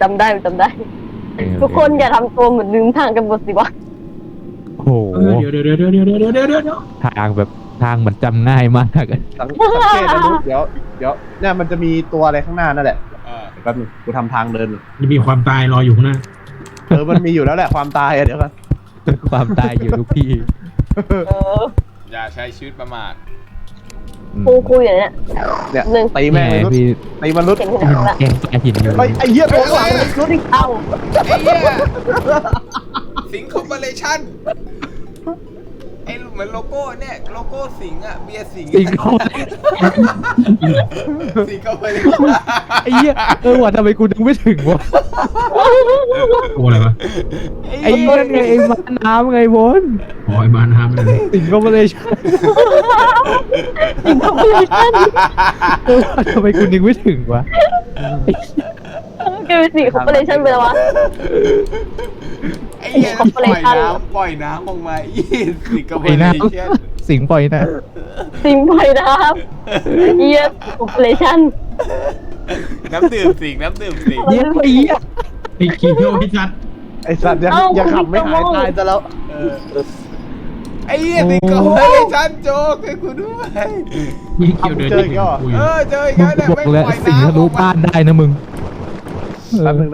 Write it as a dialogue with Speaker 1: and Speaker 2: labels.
Speaker 1: จำได้ทุกคนอย่าทำตัวเหมือนลืมทางกันหมดสิวะ
Speaker 2: โอ้โห
Speaker 3: เดี๋ยว
Speaker 2: ทางแบบทางเหมือนจำง่ายมากอะ
Speaker 4: สังเกตนะนุ๊กเดี๋ยวเนี่ยมันจะมีตัวอะไรข้างหน้านั่นแหละแป๊บนึงกูทำทางเดิน
Speaker 3: จะมีความตายรออยู่ข้างหน้า
Speaker 4: มันมีอยู่แล้วแหละความตายเดี๋ยวกัน
Speaker 2: ความตายอยู่ทุกที่
Speaker 1: เออ
Speaker 5: อย่าใช้ชีวิตประมาท
Speaker 1: คุยอย่างเนี้ย
Speaker 4: เนี่ย
Speaker 1: หนึ่ง
Speaker 4: ตีแม่งมนุษย์
Speaker 2: พี่
Speaker 4: ตีมนุษย์
Speaker 1: เห็นหัวละ
Speaker 2: แกงปลาหินอยู่
Speaker 4: ไอ้เหี้ยตัวข้างหลัง
Speaker 1: รู้ดิเอ้า
Speaker 5: ไอ้เหี้ยสิงคอร์ปอเรชั่นไอ้เหมือนโลโก้เนี่ยโลโก้สิงห์อะเบียร์สิงห์
Speaker 2: สิงคโปร์
Speaker 5: สิงคอร์ปอเรชั่น
Speaker 2: ไอ้เหี้ยว่ะทำไมกูนึกไม่ถึงวะ
Speaker 3: โอ้อะไรวะ
Speaker 2: ไอ้นั่นไงไอ้ม้าน้ำไงบน
Speaker 3: อ๋อไอ้บ้านห้ามเลย
Speaker 2: สิงคโปร์เลยชั่น
Speaker 1: สิงคโปร์เลยชั่น
Speaker 2: ว่ะทำไมกูนึกไม่ถึงวะ
Speaker 1: แกเป็นสิงคโปร์เลยชั่นไปแล้ววะ
Speaker 5: ไอ้เหี้ย
Speaker 1: สิงคอร์ปอ
Speaker 5: ป
Speaker 1: เร
Speaker 5: ล่อย
Speaker 1: ชั่น
Speaker 5: ปล่อยน้ำออกมาสิงคอร์ป
Speaker 2: ไอ้
Speaker 5: อเร
Speaker 2: น้
Speaker 5: ชั่น
Speaker 2: ำสิงปล่อยนะ
Speaker 1: สิงไปนะครับเยียสิงคโปร์เลยชั่น
Speaker 5: น้ำดื่มสิงน้ำดื่มสิง
Speaker 2: เหี้ยไอ้เหี้ย
Speaker 3: ไอ้คีโร่พิชัด
Speaker 4: ไอ้สัตว์อย่าขำไม่หายตายซะแล้ว
Speaker 5: ไอ้เหี้ยสิงคอร์ปอเรชั่นโจ๊กให้กูด้วย
Speaker 3: มีเกี่ยวเดินที่คุย
Speaker 5: เจออีกแล้วเนี่ย
Speaker 2: บอกแล้ว
Speaker 5: ไม่ปล่อย
Speaker 2: สิง
Speaker 5: น้ำ
Speaker 2: ทะลุบ้านได้นะมึง
Speaker 4: แป๊บนึง